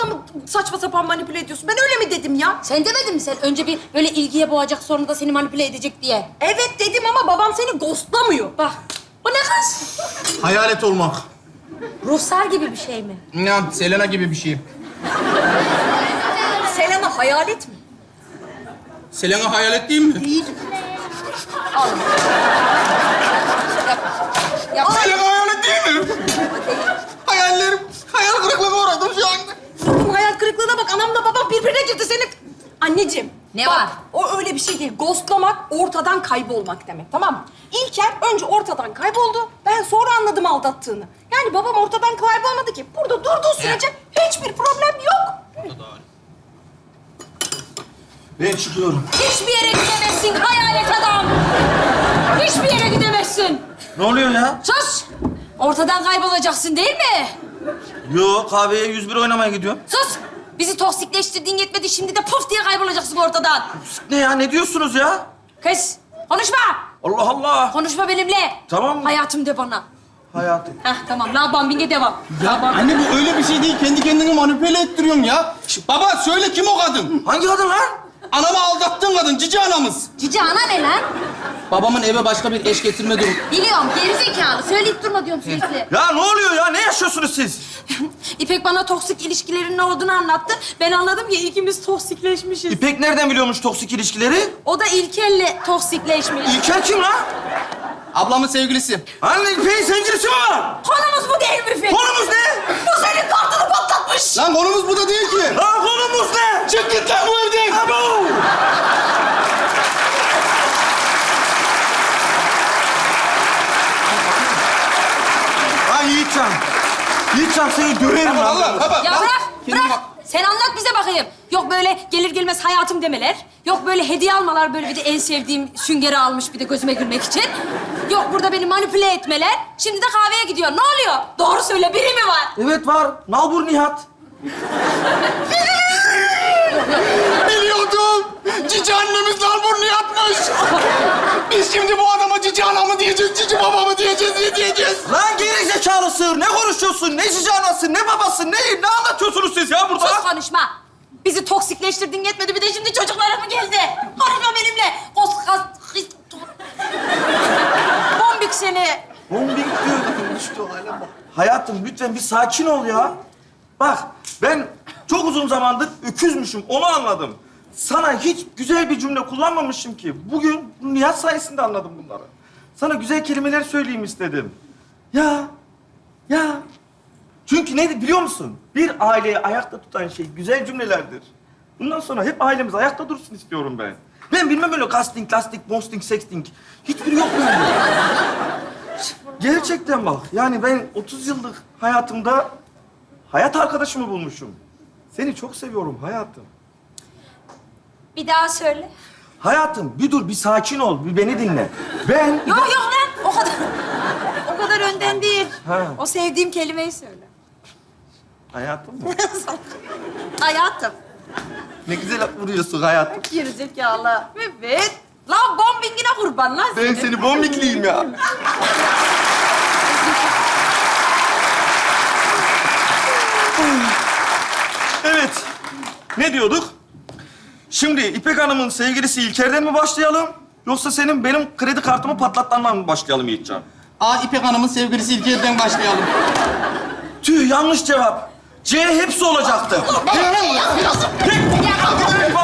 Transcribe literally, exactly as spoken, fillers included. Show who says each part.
Speaker 1: adamı saçma sapan manipüle ediyorsun. Ben öyle mi dedim ya?
Speaker 2: Sen demedin mi sen? Önce bir böyle ilgiye boğacak, sonra da seni manipüle edecek diye.
Speaker 1: Evet dedim ama babam seni ghostlamıyor.
Speaker 2: Bak, bu ne kız?
Speaker 3: Hayalet olmak.
Speaker 2: Ruhsar gibi bir şey mi?
Speaker 3: Ya Selena gibi bir şey.
Speaker 1: Selena hayalet mi?
Speaker 3: Selena hayalet değil mi?
Speaker 1: Değil. Al. Yap. Yap.
Speaker 3: Selena hayalet değil mi? Hayallerim, hayal kırıklığına uğradım şu anda.
Speaker 1: Sakın hayal kırıklığına bak. Anamla babam birbirine girdi senin. Anneciğim.
Speaker 2: Ne
Speaker 1: bak,
Speaker 2: var?
Speaker 1: O öyle bir şey değil. Ghostlamak ortadan kaybolmak demek, tamam mı? İlker önce ortadan kayboldu. Ben sonra anladım aldattığını. Yani babam ortadan kaybolmadı ki. Burada durduğu sürece hiçbir problem yok.
Speaker 3: Ben çıkıyorum.
Speaker 2: Hiçbir yere gidemezsin hayalet adam. Hiçbir yere gidemezsin.
Speaker 4: Ne oluyor ya?
Speaker 2: Sus! Ortadan kaybolacaksın değil mi?
Speaker 4: Yo, kahveye yüz bir oynamaya gidiyorum.
Speaker 2: Sus! Bizi toksikleştirdiğin yetmedi, şimdi de puf diye kaybolacaksın ortadan.
Speaker 4: Ne ya, ne diyorsunuz ya?
Speaker 2: Kız, konuşma!
Speaker 4: Allah Allah.
Speaker 2: Konuşma benimle.
Speaker 4: Tamam mı?
Speaker 2: Hayatım de bana.
Speaker 4: Hayatım.
Speaker 2: Heh, tamam. La bambinge devam.
Speaker 3: Ya anne bu öyle bir şey değil. Kendi kendini manipüle ettiriyorsun ya. Şş, baba söyle kim o kadın?
Speaker 4: Hangi kadın lan?
Speaker 3: Anamı aldattığın kadın, cici anamız.
Speaker 2: Cici ana ne lan?
Speaker 3: Babamın eve başka bir eş getirme durumu.
Speaker 2: Biliyorum, gerizekalı. Söyleyip durma diyorum sürekli.
Speaker 4: Ya ne oluyor ya? Ne yaşıyorsunuz siz?
Speaker 2: İpek bana toksik ilişkilerin ne olduğunu anlattı. Ben anladım ki ikimiz toksikleşmişiz.
Speaker 4: İpek nereden biliyormuş toksik ilişkileri?
Speaker 2: O da İlker'le toksikleşmiş.
Speaker 4: İlker kim lan?
Speaker 3: Ablamın sevgilisi.
Speaker 4: Anne İpek'in sevgilisi mi var?
Speaker 2: Konumuz bu değil mi İpek?
Speaker 4: Konumuz ne?
Speaker 2: Bu senin kartını patlatmış.
Speaker 3: Lan konumuz bu da değil ki.
Speaker 4: Lan konumuz ne?
Speaker 3: Çık git lan bu evden.
Speaker 4: Abo! Ay Yiğitcan. Yiğitcan seni döverim lan.
Speaker 3: Allah, baba.
Speaker 2: Ya
Speaker 3: bak.
Speaker 2: bırak,
Speaker 3: Kendine
Speaker 2: bırak.
Speaker 3: bak.
Speaker 2: Sen anlat bize bakayım. Yok böyle gelir gelmez hayatım demeler. Yok böyle hediye almalar, böyle bir de en sevdiğim süngeri almış bir de gözüme gülmek için. Yok burada beni manipüle etmeler. Şimdi de kahveye gidiyor. Ne oluyor? Doğru söyle, biri mi var?
Speaker 4: Evet var. Nalbur Nihat.
Speaker 3: Biliyordum. Cici annemiz nalburnu yatmış. Biz şimdi bu adama cici anamı diyeceğiz, cici babamı diyeceğiz, ne diyeceğiz?
Speaker 4: Lan geri zekalı sığır. Ne konuşuyorsun? Ne cici anası, ne babası, ne, ne anlatıyorsunuz siz ya burada?
Speaker 2: Sus konuşma. Bizi toksikleştirdin yetmedi, bir de şimdi çocuklara mı geldi? Konuşma benimle. Kos, kas, his, bombik seni.
Speaker 4: Bombing diyor. İşte o hale bak. Hayatım lütfen bir sakin ol ya. Bak ben çok uzun zamandır öküzmüşüm, onu anladım. Sana hiç güzel bir cümle kullanmamışım ki. Bugün Nihat sayesinde anladım bunları. Sana güzel kelimeler söyleyeyim istedim. Ya, ya. Çünkü ne biliyor musun? Bir aileyi ayakta tutan şey güzel cümlelerdir. Bundan sonra hep ailemiz ayakta dursun istiyorum ben. Ben bilmem öyle casting, lastik, mosting, sexting. Hiçbiri yok bende. Gerçekten bak. Yani ben otuz yıllık hayatımda hayat arkadaşımı bulmuşum. Seni çok seviyorum hayatım.
Speaker 2: Bir daha söyle.
Speaker 4: Hayatım bir dur, bir sakin ol, bir beni dinle. Ben...
Speaker 2: Yok yok lan, o kadar. O kadar önden değil.
Speaker 4: Ha.
Speaker 2: O sevdiğim kelimeyi söyle.
Speaker 4: Hayatım mı?
Speaker 2: Hayatım.
Speaker 4: Ne güzel vuruyorsun hayatım.
Speaker 2: Gerizekalı. Evet. Lan bombingine kurban lan
Speaker 4: Ben
Speaker 2: seni.
Speaker 4: seni bombikliyim ya. Evet. Ne diyorduk? Şimdi İpek Hanım'ın sevgilisi İlker'den mi başlayalım? Yoksa senin benim kredi kartımı patlatmandan mı başlayalım Yiğitcan?
Speaker 3: Aa İpek Hanım'ın sevgilisi İlker'den başlayalım.
Speaker 4: Tüh yanlış cevap. C hepsi olacaktı. Hep, hep,